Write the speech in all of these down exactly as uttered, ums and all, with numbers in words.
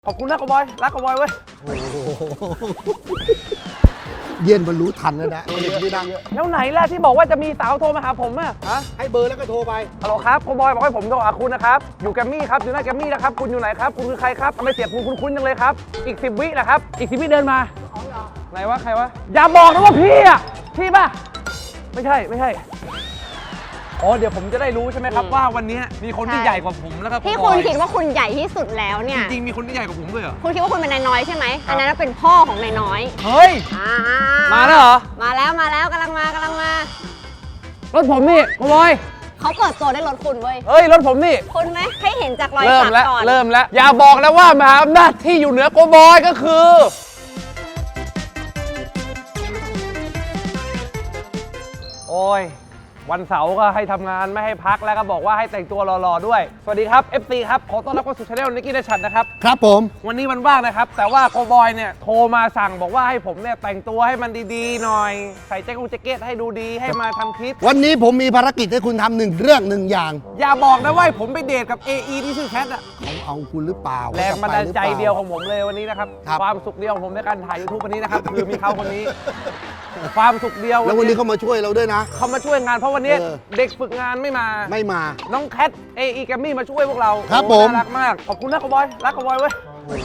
ขอบคุณนะกบอยรักกบอยเว้ยเย็นบรรลุทันแล้วนะเด็กไม่ดังแล้วไหนล่ะที่บอกว่าจะมีสาวโทรมาหาผมอะฮะให้เบอร์แล้วก็โทรไปฮัลโหลครับกบอยบอกให้ผมโทรหาคุณนะครับอยู่แกมมี่ครับอยู่หน้าแกมมี่นะครับคุณอยู่ไหนครับคุณคือใครครับทำไมเสียงคุณคุ้นๆจังเลยครับอีกสิบวินะครับอีกสิบวิเดินมาไหนวะใครวะอย่าบอกนะว่าพี่อะพี่ป่ะไม่ใช่ไม่ใช่อ๋อเดี๋ยวผมจะได้รู้ใช่ไหมครับว่าวันนี้มีคนที่ใหญ่กว่าผมแล้วครับที่คุณคิดว่าคุณใหญ่ที่สุดแล้วเนี่ยจริงๆมีคนที่ใหญ่กว่าผมด้วยเหรอคุณคิดว่าคุณเป็นนายน้อยใช่ไหมอันนั้นเป็นพ่อของนายน้อยเฮ้ยมาแล้วเหรอมาแล้วมาแล้วกำลังมากำลังมารถผมนี่กบอยเขาเปิดตัวได้รถคุณเว้ยเฮ้ยรถผมนี่คุณไหมให้เห็นจากรอยสักก่อนเริ่มแล้วอย่าบอกนะว่ามหาอำนาจที่อยู่เหนือโกบอยก็คือโอ้ยวันเสาร์ก็ให้ทำงานไม่ให้พักแล้วก็บอกว่าให้แต่งตัวหล่อๆด้วยสวัสดีครับ เอฟ ซี ครับขอต้อนรับเข้าสู่ช anel นิกกี้ เดชันนะครับครับผมวันนี้มันว่างนะครับแต่ว่าโกบอยเนี่ยโทรมาสั่งบอกว่าให้ผมเนี่ยแต่งตัวให้มันดีๆหน่อยใส่แจ็คแจ็คเก็ตให้ดูดีให้มาทำคลิปวันนี้ผมมีภารกิจให้คุณทำหนึ่งเรื่องหนึ่งอย่างอย่าบอกนะว่าผมไปเดทกับ เอ อี ที่ชื่อแคทอะเขาเอาคุณหรือเปล่าแรงบันดาลใจเดียวของผมเลยวันนี้นะครับความสุขเดียวของผมในการถ่าย ยูทูบ วันนี้นะครับคือมีเขาคนนี้ความสุขเดียวแล้ววันนี้เขามาช่วยเราด้วยนะเขามาช่วยงานเพราะวันนี้เด็กฝึกงานไม่มาไม่มาน้องแคท เอ อี แกมมี่มาช่วยพวกเราครับผมน่ารักมากขอบคุณนะกบอยรักกบอยเว้ย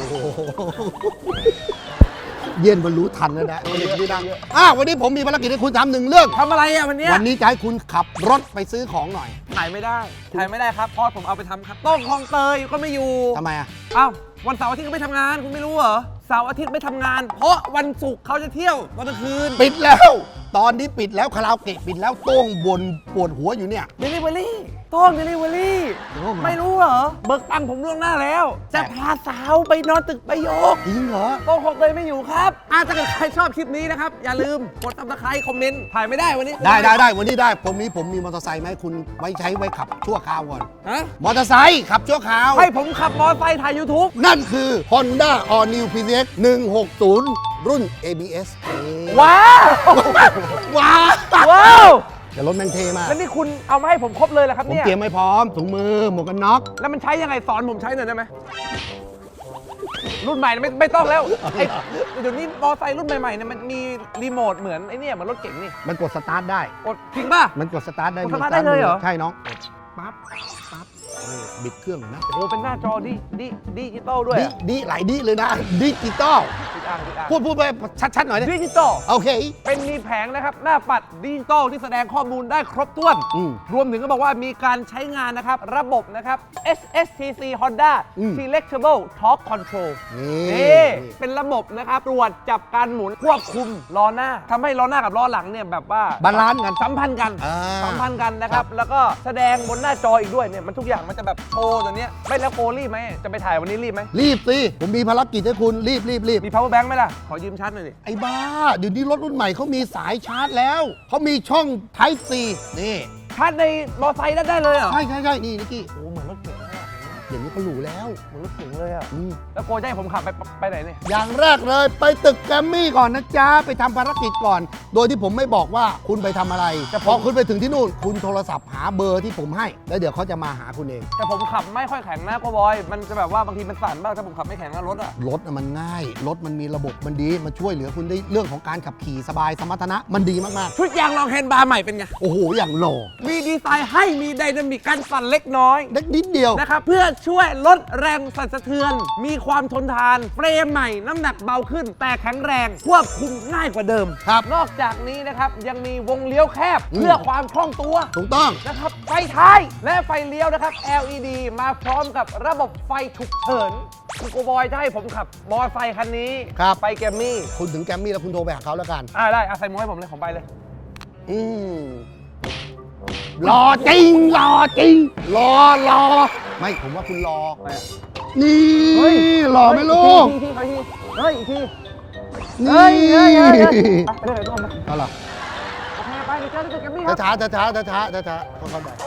เย็นบรรลุทันแล้วนะเด็กไม่ดังอ่ะวันนี้ผมมีภารกิจให้คุณทำหนึ่งเรื่องทำอะไรอ่ะวันนี้วันนี้จะให้คุณขับรถไปซื้อของหน่อยถ่ายไม่ได้ถ่ายไม่ได้ครับเพราะผมเอาไปทำครับต้องคลองเตยก็ไม่อยู่ทำไมอ่ะอ้าววันเสาร์อาทิตย์ก็ไม่ทำงานคุณไม่รู้เหรอเสาร์อาทิตย์ไม่ทำงานเพราะวันศุกร์เขาจะเที่ยวตอนกลางคืนปิดแล้วตอนนี้ปิดแล้วคาราโอเกะปิดแล้วโต้งบนปวดหัวอยู่เนี่ยเดลิเวอรี่ต้องเดลิเวอรี่ไม่รู้เหรอเบิกตังค์ผมล่วงหน้าแล้วจะพาสาวไปนอนตึกประโยคจริงเหรอต้องคลองเตยไม่อยู่ครับอาถ้าเกิดใครชอบคลิปนี้นะครับอย่าลืมกดซับสไครต์คอมเมนต์ถ่ายไม่ได้วันนี้ได้ได้ได้วันนี้ได้ผมนี้ผมมีมอเตอร์ไซค์ไหมคุณไว้ใช้ไว้ขับชั่วคราวก่อนฮะมอเตอร์ไซค์ขับชั่วคราวให้ผมขับมอเตอร์ไซค์ถ่าย ยูทูบนั่นคือ Honda All New พี ซี เอ็กซ์ หนึ่งหกศูนย์ รุ่น เอ บี เอสว้าวว้าวว้าวแต่รถแม่งเทมากแล้วนี่คุณเอามาให้ผมครบเลยเหรอครับผมเนี่ยเตรียมไม่พร้อมถุงมือหมวกกันน็อกแล้วมันใช้ยังไงสอนผมใช้หน่อยได้ไหมรุ่นใหม่ไม่ไม่ต้องแล้วไอ้เดี๋ยวนี้มอเตอร์ไซค์รุ่นใหม่ๆเนี่ยมันมีรีโมทเหมือนไอ้นี่เหมือนรถเก๋งนี่มันกดสตาร์ทได้กดจริงป่ะมันกดสตาร์ทได้กดสตาร์ทได้เลยเหรอใช่น้องปั๊บปั๊บบิดเครื่องนะโอ้เป็นหน้าจอดิดิดิจิตอลด้วยดิดิหลายดิเลยนะดิจิตอลพูดพูดไปชัดๆหน่อยดิจิตอลโอเคเป็นมีแผงนะครับหน้าปัดดิจิตอลที่แสดงข้อมูลได้ครบถ้วนรวมถึงก็บอกว่ามีการใช้งานนะครับระบบนะครับ เอส เอส ที ซี Honda Selectable Torque Control นี่เป็นระบบนะครับตรวจจับการหมุนควบคุมล้อหน้าทำให้ล้อหน้ากับล้อหลังเนี่ยแบบว่าบาลานซ์กันสัมพันธ์กันสัมพันธ์กันนะครับแล้วก็แสดงบนหน้าจออีกด้วยเนี่ยมันทุกอย่างมันจะแบบโชว์ตัวเนี้ยไม่แล้วโกรีบไหมจะไปถ่ายวันนี้รีบไหมรีบสิผมมีภารกิจให้คุณรีบรีบรีบมี power bank ไหมล่ะขอยืมชาร์จหน่อยดิไอ้บ้าเดี๋ยวนี้รถรุ่นใหม่เขามีสายชาร์จแล้วเขามีช่อง Type C นี่ชาร์จในมอเตอร์ไซค์ได้เลยเหรอใช่ใช่ใช่นี่นิกกี้โอ้เหมือนรถเก๋งอย่างนี้เขาหรูแล้วเหมือนรถเก๋งเลยอ่ะแล้วโกจะให้ผมขับไปไปไหนเนี่ยอย่างแรกเลยไปตึกแกรมมี่ก่อนนะจ๊ะไปทำภารกิจก่อนโดยที่ผมไม่บอกว่าคุณไปทำอะไรแต่พอคุณไปถึงที่นู่นคุณโทรศัพท์หาเบอร์ที่ผมให้แล้วเดี๋ยวเขาจะมาหาคุณเองแต่ผมขับไม่ค่อยแข็งนะโกบอยมันจะแบบว่าบางทีมันสั่นบ้างถ้าผมขับไม่แข็งนะรถอ่ะรถมันง่ายรถมันมีระบบมันดีมันช่วยเหลือคุณได้เรื่องของการขับขี่สบายสมรรถนะมันดีมากๆชุดยางรองแฮนด์บาร์ใหม่เป็นไงโอ้โหอย่างหล่อมีดีไซน์ให้มีไดนามิกการสั่นเล็กน้อยเล็กนิดเดียวนะครับเพื่อช่วยลดแรงสั่นสะเทือนมีความทนทานเฟรมใหม่น้ำหนักเบาขึ้นแต่แข็งแรงควบคุมง่ายกว่าเดิมครับนอกจากนี้นะครับยังมีวงเลี้ยวแคบเพื่อความคล่องตัวถูกต้องนะครับไฟท้ายและไฟเลี้ยวนะครับ แอล อี ดี มาพร้อมกับระบบไฟฉุกเฉินคุณโกบอยจะให้ผมขับมอเตอร์ไซค์คันนี้ไปแกมมี่คุณถึงแกมมี่แล้วคุณโทรไปหาเขาแล้วกันอ่าได้อาใส่หมวกให้ผมเลยผมไปเลยอืมรอจริงรอจริงรอรอไม่ผมว่าคุณรอนี่รอไหมลูกเฮ้ยอีกทีนี่เฮ้ยเฮ้ยเฮ้ยไปเลยทุกคนไปเอาล่ะโอเคไปเจอที่ตึกแกมมี่ครับช้าช้าช้าช้าช้าช้าช้าเข้าไป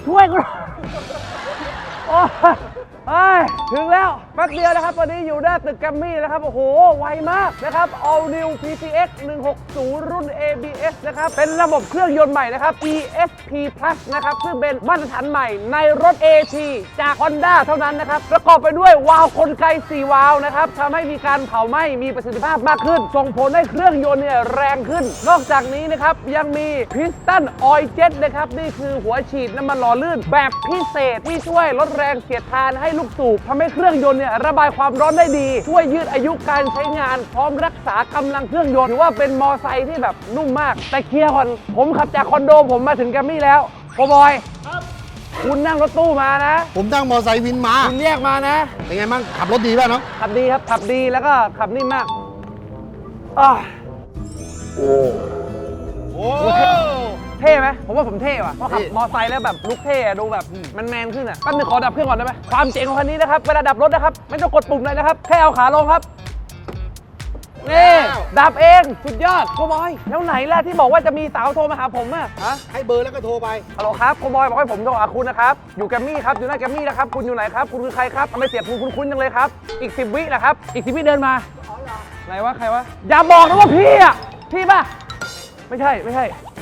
ช่วยกูหน่อยโอ้ยเอ้ยถึงแล้วแป๊บเดียวนะครับวันนี้อยู่หน้าตึกแกรมมี่นะครับโอ้โหไวมากนะครับ All New พี ซี เอ็กซ์ หนึ่งหกศูนย์ รุ่น เอ บี เอส นะครับเป็นระบบเครื่องยนต์ใหม่นะครับ อี เอส พี Plus นะครับซึ่งเป็นมาตรฐานใหม่ในรถ เอ ที จาก Honda เท่านั้นนะครับประกอบไปด้วยวาล์วกลไกสี่วาล์วนะครับทำให้มีการเผาไหม้มีประสิทธิภาพมากขึ้นส่งผลให้เครื่องยนต์เนี่ยแรงขึ้นนอกจากนี้นะครับยังมี Piston Oil Jet นะครับนี่คือหัวฉีดน้ำมันหล่อลื่นแบบพิเศษที่ช่วยลดแรงเสียดทานให้ลูกสูบทำให้เครื่องยนต์เนี่ยระบายความร้อนได้ดีช่วยยืดอายุการใช้งานพร้อมรักษากำลังเครื่องยนต์ถือว่าเป็นมอไซค์ที่แบบนุ่มมากแต่เคลียร์ก่อนผมขับจากคอนโดผมมาถึงแกรมมี่แล้วโคบอยคุณนั่งรถตู้มานะผมนั่งมอไซค์วินมาคุณแยกมานะเป็นไงบ้างขับรถดีป่ะเนาะขับดีครับขับดีแล้วก็ขับนิ่มมากอ้าวโอ้โอ้เท่ไหมผมว่าผมเท่ว่ะเพราะขับเท่มอไซค์แล้วแบบลุคเท่อะดูแบบมันแมนขึ้นอ่ะแป๊บนึงขอดับเครื่องก่อนได้ไหมความเจ๋งของคันนี้นะครับเวลาดับรถนะครับไม่ต้องกดปุ่มเลยนะครับแค่เอาขาลงครับนี่ดับเองสุดยอดโคบอยแล้วไหนล่ะที่บอกว่าจะมีสาวโทรมาหาผมอะฮะให้เบอร์แล้วก็โทรไปฮัลโหลครับโคบอยบอกให้ผมโทรหาคุณนะครับอยู่แกรมมี่ครับอยู่หน้าแกรมมี่นะครับคุณอยู่ไหนครับคุณคือใครครับทำไมเสียงคุณคุ้นๆจังเลยครับอีกสิบวินะครับอีกสิบวิเดินมาไหนวะใครวะอย่าบอกนะว่าพี่อะพี่ป่ะไม่ใช่ไม่ใช่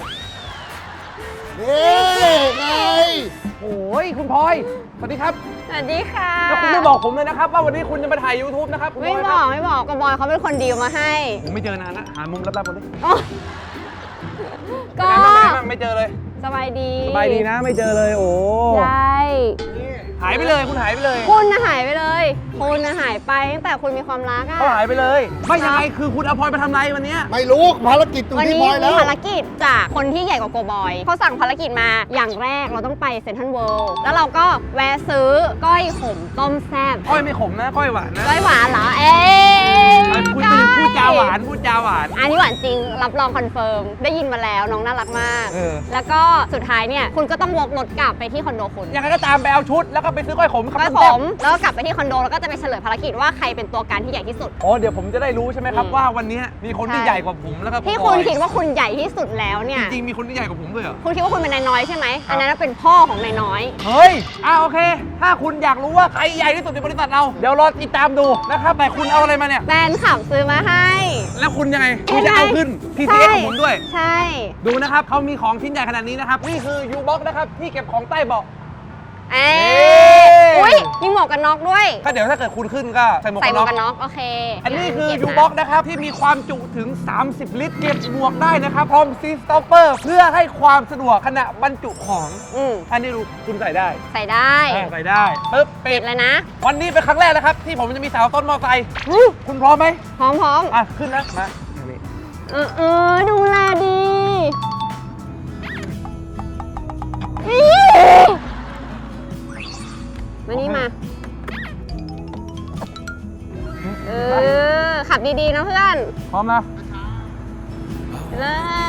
นี่ไงโอ้ยคุณพลอยสวัสดีครับสวัสดีค่ะแล้วคุณไม่บอกผมเลยนะครับว่าวันนี้คุณจะมาถ่าย YouTube นะครับคุณพลไม่อยบคอรักไม่บอกกบอยเขาเป็นคนดีลมาให้ผมไม่เจอนานนะหามุมลับๆคนนี้โอ้ก็เป็นไงบ้างเป็นไงบ้างไม่เจอเลยสบายดีสบายดีนะไม่เจอเลยโอ้ใช่หายไปเลยคุณหายไปเลยคุณน่ะหายไปเลยคุณน่ะหายไปตั้งแต่คุณมีความรักอะเขาหายไปเลยไม่ยังไงคือคุณเอาพลอยไปทำไรวันเนี้ยไม่รู้ภารกิจตรงวันที่นี้พลอยแล้มีวภารกิจจากคนที่ใหญ่กว่าโกบอยเขาสั่งภารกิจมาอย่างแรกเราต้องไปเซ็นทรัลเวิลด์แล้วเราก็แวะซื้อก้อยขมต้มแซ่บก้อยไม่ขมนะก้อยหวานนะก้อยหวานเหรอเอ๊ะไอ้พูดจริงพูดจาหวานพูดจาหวานอันนี้หวานจริงรับรองคอนเฟิร์มได้ยินมาแล้วน้องน่ารักมากเออแล้วก็สุดท้ายเนี่ยคุณก็ต้องวกรถกลับไปที่คอนโดคุณยังไงก็ตามไปเอาชุดแล้วก็ไปซื้อก้อยขมก้อยขมแล้วก็กลับไปที่คอนโดแล้วก็จะไปเฉลยภารกิจว่าใครเป็นตัวการที่ใหญ่ที่สุดโอ้เดี๋ยวผมจะได้รู้ใช่ไหมครับอืมว่าวันนี้มีคนที่ใช่ใหญ่กว่าผมแล้วก็ที่คุณคิดว่าคุณใหญ่ที่สุดแล้วเนี่ยจริงๆมีคนที่ใหญ่กว่าผมด้วยเหรอคุณคิดว่าคุณเป็นนายน้อยใช่ไหมครับอันนั้นเป็นพ่อของนายน้อยเฮ้ยอ่าโอเค ถ้าคุณอยากรู้ว่าใครใหญ่ที่สุดในบริษัทเรา เดี๋ยวรอติดตามดูนะครับแต่คุณเอาอะไรมาเนี่ยแฟนขับซื้อมาให้แล้วคุณยังไง คุณจะเอาขึ้น ที ซี เอ็กซ์ ของผมด้วยใช่ดูนะครับเขามีของชิ้นใหญ่ขนาดนี้นะครับ นี่คือ U-Box นะครับ ที่เก็บของใต้เบาะเอ๊ะเอ๊ะอุ้ยมีหมวกกันน็อกด้วยถ้าเดี๋ยวถ้าเกิดคุณขึ้นก็ใส่หมวกใส่กันหมน็วอก กกันน็อกโอเคอันนี้คือเก็บนะ U-Box นะครับที่มีความจุถึง สามสิบ ลิตร เก็บหมวกได้นะครับ พร้อมซีสต็อปเปอร์เพื่อให้ความสะดวกขณะบรรจุของอืมอันนี้ดูคุณใส่ได้ใส่ได้อ่าใส่ได้ปึ๊บปิปิดดเลยนะวันนี้เป็นครั้งแรกนะครับ ที่ผมจะมีสาวต้นมอไซค์คุณพร้อมไหมพร้อมพร้อมอ่ะ ขึ้นนะมานี่เออเออดูแลดีอี๋มานี่มา เออ ขับดีๆนะเพื่อนพร้อมนะเลย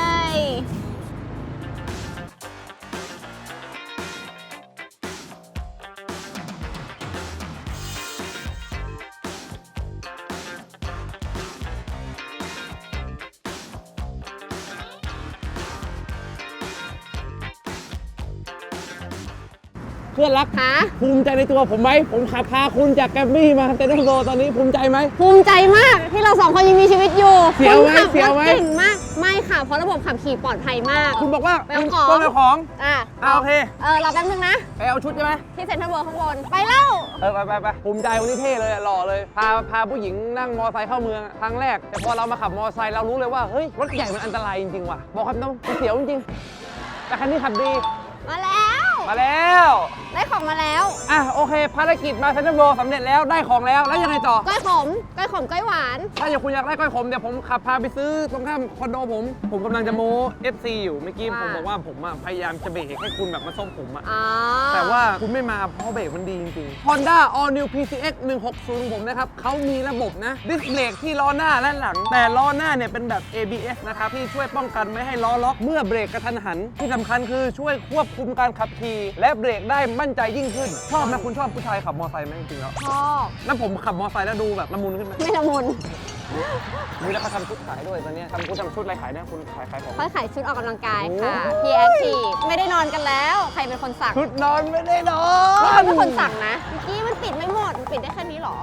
เพื่อนรักฮะภูมิใจในตัวผมไหม ผมขับพาคุณจากแกรมมี่มาเต็นท์โซตอนนี้ภูมิใจไหมภูมิใจมากที่เราสองคนยังมีชีวิตอยู่เสียวไหมคุณขับเสียวไหมรถเก่งมาก ไม่ค่ะ เพราะระบบขับขี่ปลอดภัยมากคุณบอกว่าไปเอาคุณของต้องเอาของอ่ะอ่าโอเคเออรอแป๊บนึงนะไปเอาชุดใช่ไหมที่เซ็นทรัลเวิลด์ข้างบน ไปแล้วเออไปไปไปภูมิใจวันนี้เท่เลยอะหล่อเลย พาพาผู้หญิงนั่งมอไซค์เข้าเมืองอะครั้งแรก แต่พอเรามาขับมอไซค์เรารู้เลยว่า เฮ้ย รถใหญ่มันอันตรายจริงๆว่ะ บอกครับน้องมันเสียวจริงๆแต่คันนี้ขับดีมาแล้วมาแล้วได้ของมาแล้วอ่ะโอเค ภารกิจมาเซ็นทรัลเวิลด์สำเร็จแล้วได้ของแล้วแล้วยังไงต่อก้อยขม ก้อยขม ก้อยหวานถ้าอยากคุณอยากได้ก้อยขมเดี๋ยวผมขับพาไปซื้อตรงข้ามคอนโดผม ผมกำลังจะโม้ เอฟ ซี อยู่เมื่อกี้ว่าผมบอกว่าผมอะพยายามจะเบรกให้คุณแบบมาส้มผมอะอ๋อแต่ว่าคุณไม่มาเพราะเบรกมันดีจริงๆ Honda All New พี ซี เอ็กซ์ หนึ่งหกศูนย์ของผมนะครับเขามีระบบนะดิสเบรกที่ล้อหน้าและหลัง แต่ล้อหน้าเนี่ยเป็นแบบ เอ บี เอส นะครับที่ช่วยป้องกันไม่ให้ล้อล็อกเมื่อเบรกกระทันหันที่สำคัญคือช่วยควบคุมการขับขี่และเบรกได้มั่นใจยิ่งขึ้นชอบนะคุณชอบผู้ชายขับมอเตอร์ไซค์ไหมจริงๆแล้วชอบแล้วผมขับมอเตอร์ไซค์แล้วดูแบบละมุนขึ้นไหมไม่ละมุนนี่แล้วเขาทำชุดขายด้วยตอนนี้ทำชุดทำชุดอะไรขายเนี่ยคุณขายขายของเขาขายชุดออกกำลังกายค่ะ พี แอคทีฟ ไม่ได้นอนกันแล้ว ใครเป็นคนสั่งชุดนอนไม่ได้นอเขานเป็นคนสั่งนะเมื่อกี้มันปิดไม่หมด มันปิดได้แค่นี้เหรอ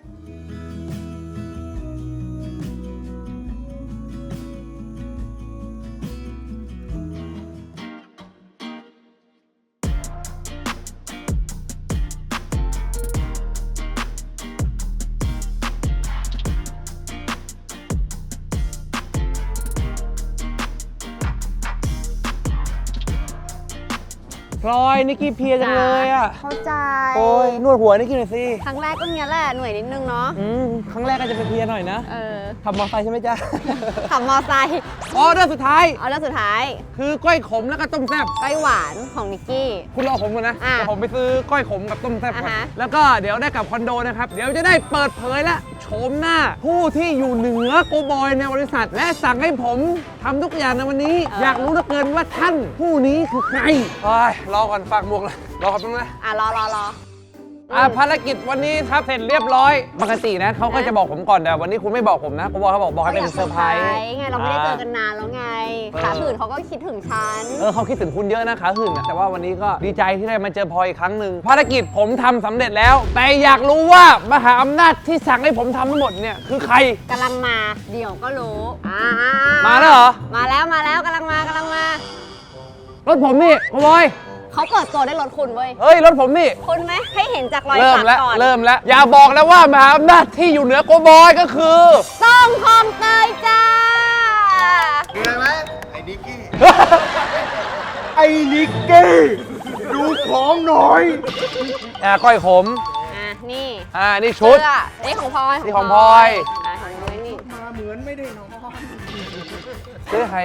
พลอยนิกกี้เพลียจังเลยอ่ะเข้าใจโอ้ยนวดหัวนิกกี้หน่อยสิครั้งแรกก็เนี้ยแหละ หน่วยนิดนึงเนาะอืมครั้งแรกก็จะเป็นเพลียหน่อยนะเออขับมอเตอร์ไซค์ใช่ไหมจ๊ะขับมอไซค์ออเดอร์สุดท้ายเอาแล้วสุดท้ายคือก้อยขมแล้วก็ต้มแซ่บก้อยหวานของนิกกี้คุณรอผมก่อนนะอ่ะเดี๋ยวผมไปซื้อก้อยขมกับต้มแซ่บก่อนอ่าฮะแล้วก็เดี๋ยวได้กลับคอนโดนะครับ เดี๋ยวจะได้เปิดเผยและโฉมหน้า ผู้ที่อยู่เหนือโกบอยในบริษัท และสั่งให้ผมทำทุกอย่างในวันนี้ อยากรู้เหลือเกินว่าท่านผู้นี้คือใครโอ้ยรอก่อนฝากหมวกเลยรอครับตรงนะอ่ะ รอรอรออ่ะภารกิจวันนี้ครับเสร็จเรียบร้อย ปกตินะเขาก็จะบอกผมก่อนแต่วันนี้คุณไม่บอกผมนะโกบอยเขาบอกบอกให้เป็นเซอร์ไพรส์ไง เราไม่ได้เจอกันนานแล้วไง ขาหื่นเขาก็คิดถึงฉันเออเขาคิดถึงคุณเยอะนะขาหึ่งอะแต่ว่าวันนี้ก็ดีใจที่ได้มาเจอพลอยอีกครั้งหนึ่งภารกิจผมทำสำเร็จแล้ว แต่อยากรู้ว่ามหาอำนาจที่สั่งให้ผมทำทั้งหมดเนี่ยคือใครกำลังมา เดี๋ยวก็รู้อ่ามาแล้วเหรอมาแล้วมาแล้วกำลังมากำลังมารถผมนี่โกบอยเขาเปิดตัวได้รถคุณเว้ยเฮ้ยรถผมนี่คุณไหมให้เห็นจากรอยเริ่มสักแล้วก่อนเริ่มแล้วอย่าบอกนะว่ามหาอำนาจที่อยู่เหนือโกบอยก็คือส้มคลองเตยจ้าดูอะไรไหมไอ้นิกกี้ ไอ้นิกกี้ ดูของหน่อยอ่าก้อยขมอ่ะ นี่อ่านี่ชุดเสื้อนี่ของพลอยนี่ของพลอยอ่ะของนุ้ยนี่มาเหมือนไม่ได้นอนซื้อใคร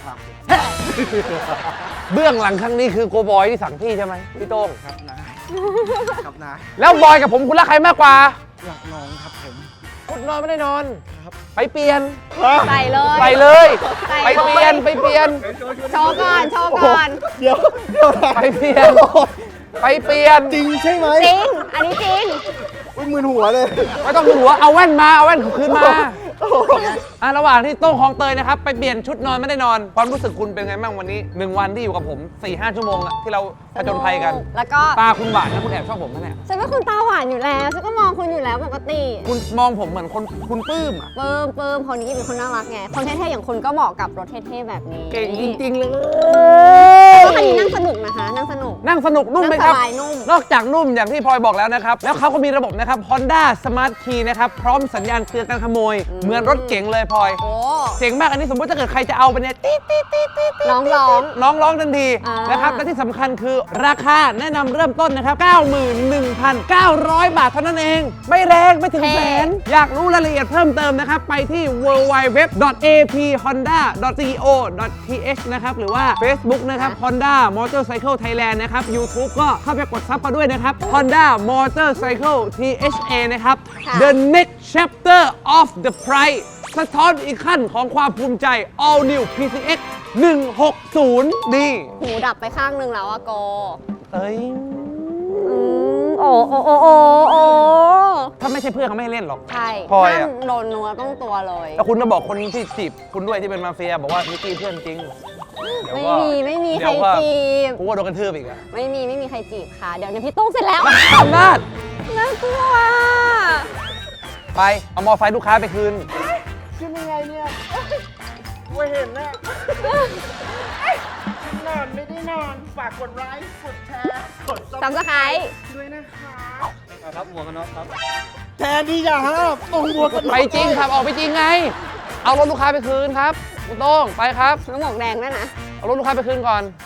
เบื้องหลังครั้งนี้คือโกบอยที่สั่งพี่ใช่ไหมพี่โต้งครับนะ ครับนะแล้วบอยกับผมคุณรักใครมากกว่าหลักน้องครับผมคุณนอนไม่ได้นอน ไปเปลี่ยนใส่เลยไปเลยใส่ไปเปลี่ยนไปเปลี่ยนโชว์ก่อน โชว์ก่อนเดี๋ยวเดี๋ยวไปเปลี่ยน ไปเปลี่ยนจริงใช่ไหมจริง อันนี้จริงอุ้ยมือหัวเลยไม่ต้องดูหัวเอาแว่นมาเอาแว่นคืนมาอ่ะระหว่างที่โต้งคลองเตยนะครับไปเปลี่ยนชุดนอนไม่ได้นอน ความรู้สึกคุณเป็นไงบ้างวันนี้หนึ่งวันที่อยู่กับผม สี่ห้า ชั่วโมงอะที่เราผจญภัยกันแล้วก็ตาคุณหวานนะคุณแอบชอบผมนะเนี่ยฉันเป็นคนตาหวานอยู่แล้ว ฉันก็มองคุณอยู่แล้วปกติคุณมองผมเหมือนคนคุณปลื้มอะเปิมเปิมคนนี้เป็นคนน่ารักไง คนเท่ๆอย่างคุณก็เหมาะกับรถเท่ๆแบบนี้เก่งจริงๆเลยก็คันนี้นั่งสนุกนะคะ นั่งสนุกนั่งสนุกนุ่มไหมนั่งครับสบายนุ่มนอกจากนุ่มอย่างที่พลอยบอกแล้วนะครับ แล้วเขาก็มีระบบนะครับ Honda Smart Key นะครับ พร้อมสัญญาณเตือนการขโมย เหมือนรถเก๋งเลยพลอยโอ้เจ๋งมากอันนี้สมมติถ้าเกิดใครจะเอาไปเนี่ยตีดตีดตีดตีดตีดน้องร้องน้องร้องทันทีอ่านนะครับ และที่สำคัญคือราคาแนะนำเริ่มต้นนะครับ เก้าหมื่นหนึ่งพันเก้าร้อย บาทเท่านั้นเอง ไม่แรงไม่ถึงแสน อยากรู้รายละเอียดเพิ่มเติมนะครับ ไปที่ ดับเบิลยู ดับเบิลยู ดับเบิลยู ดอท เอ พี ฮอนด้า ดอท ซี โอ ดอท ที เอช นะครับ หรือว่า Facebook นะครับ Honda Motorcycle Thailand นะครับ YouTube ก็เข้าไปกดซับมาด้วยนะครับ Honda Motorcycle ที เอช เอ นะครับค่ะ The next chapter of the price สะท้อนอีกขั้นของความภูมิใจ All New พี ซี เอ็กซ์ หนึ่งหกศูนย์ นี่หูดับไปข้างหนึงแล้วอะโกเอ้ยอืมโอ้โอ้โอ้โอ้โอ้ถ้าไม่ใช่เพื่อนเขาไม่ให้เล่นหรอกใช่พลอยอะห้ามโดนนัวต้องตัวเลยแล้วคุณก็บอกคนที่จีบคุณด้วยที่เป็นมาเฟีย บอกว่านิกกี้เพื่อนจริงเดี๋ยวไม่ก็มีไม่มีใคเดี๋รยวก็จีบกูว่าโดนกระทืบอีกอะไม่มีไม่มีใครจีบค่ะ เดี๋ยวเนี่ยพี่โต้งเสร็จแล้วอำนาจน่ากลัวไป เอามอไซค์ลูกค้าไปคืนขึ้นยังไงเนี่ยไม่เห็นนะนอนไม่ได้นอน ฝากกดไลค์ กดแชร์ กดซับซับสไครต์ด้วยนะคะครับหัวกันน็อกครับ แทนที่จะห้ามตรงหัวกันน็อกไปจริงครับ ออกไปจริงไง เอารถลูกค้าไปคืนครับคุณโต้งไปครับน้ำหมวกแดงด้วยนะเอารถลูกค้าไปคืนก่อน